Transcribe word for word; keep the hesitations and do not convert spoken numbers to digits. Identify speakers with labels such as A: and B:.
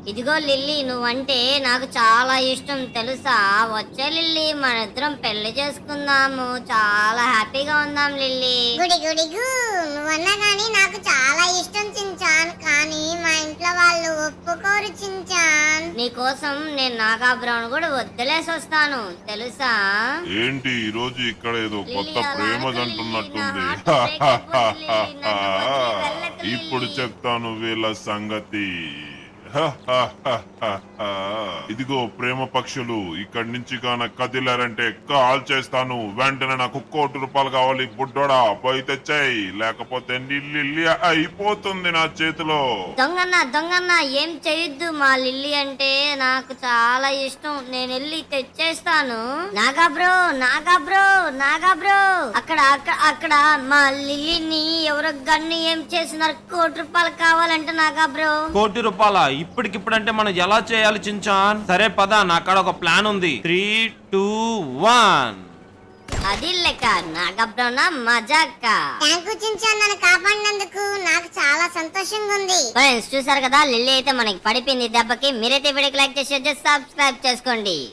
A: ఇదిగో లిల్లీ, నువ్వంటే నాకు చాలా ఇష్టం తెలుసా. వచ్చే లిల్లీ, మన ఇద్దరం పెళ్లి చేసుకుందాము. చాలా హ్యాపీగా ఉందాం లిల్లీ.
B: గుడి గుడి గు నువ్వన్నా గానీ నాకు చాలా ఇష్టం చించాన్, కానీ మా ఇంట్లో వాళ్ళు ఒప్పుకోరు చించాన్.
A: నీకోసం నేను నాగాబ్రౌన్ కూడా వదిలేసి వస్తాను తెలుసా.
C: ఏంటి ఈ రోజు ఇక్కడ ఏదో కొత్త ప్రేమ జంటున్నట్టుంది. ఇప్పుడు చెప్తాను వీళ్ళ సంగతి. ఇదిగో ప్రేమ పక్షులు, ఇక్కడి నుంచి గాన కదిలారంటే కాల్ చేస్తాను. వెంటనే నాకు కోటి రూపాయలు కావాలి బుడ్డోడా, పోయి తెచ్చాయి, లేకపోతే నిల్లి అయిపోతుంది నా చేతిలో.
A: దొంగన్న దొంగన్న ఏం చేయొద్దు, మా లిల్లీ అంటే నాకు చాలా ఇష్టం. నేను వెళ్ళి తెచ్చేస్తాను. Naga bro Naga bro Naga bro, అక్కడ అక్కడ అక్కడ మా లిల్లీని ఎవరో గన్ను ఏం చేసినారు. కోటి రూపాయలు కావాలంట నాగా బ్రో.
D: కోటి రూపాయల ఇప్పటికిప్పుడు అంటే మనం ఎలా చేయాలి చించాన్? సరే పద, నా కాడ ఒక ప్లాన్ ఉంది. Three two one.
A: అది లెక్క నాగబ్రౌనా మజాక్క.
B: థ్యాంక్ యూ చించాన్, నన్ను కాపాడినందుకు నాకు చాలా సంతోషంగా ఉంది.
A: ఫ్రెండ్స్ చూసారు కదా, లిల్లీ అయితే మనకి పడిపోయింది దెబ్బకి. మీరైతే వీడియోకి లైక్ చేసి సబ్స్క్రైబ్ చేసుకోండి.